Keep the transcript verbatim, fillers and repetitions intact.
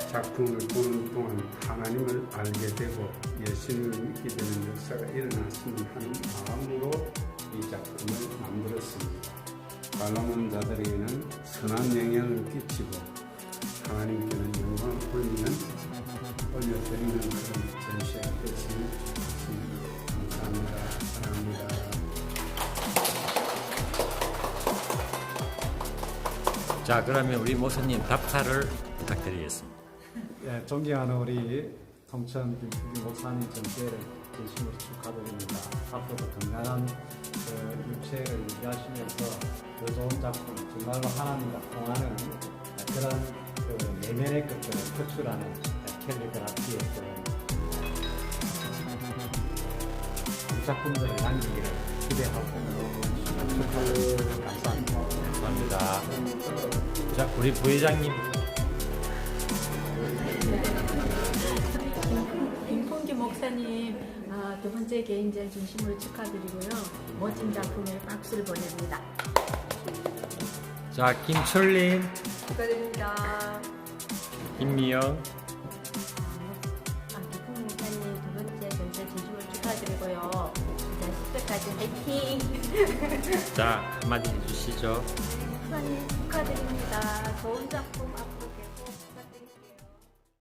작품을 보는 동안 하나님을 알게 되고 예수님을 믿게 되는 역사가 일어났으면 하는 마음으로 이 작품을 만들었습니다. 관람하는 자들에게는 선한 영향을 끼치고 하나님께는 영광을 올리는 올려드리는 그런 전시가 됐으면 좋겠습니다. 감사합니다. 사랑합니다. 자, 그러면 우리 목사님 답사를 부탁드리겠습니다. 예, 존경하는 우리 통천 김풍기 목사님 전체를 진심으로 축하드립니다. 앞으로도 건강한 그 육체를 유지하시면서 더 좋은 작품, 정말로 하나님과 통하는 그런 그 내면의 것들을 표출하는 캘리그라피의 그 작품들을 남기기를 기대하고 축하드립니다. 감사합니다. 감사합니다. 자, 우리 부회장님. 김풍기 목사님 아, 두 번째 개인전 진심으로 축하드리고요. 멋진 작품에 박수를 보냅니다. 자, 김철린, 축하드립니다. 김미영. 아, 김풍기 목사님 두 번째 전체 진심으로 축하드리고요. 자, 십 회까지 화이팅! 자, 한마디 해주시죠. 목사님 축하드립니다. 좋은 작품 앞으로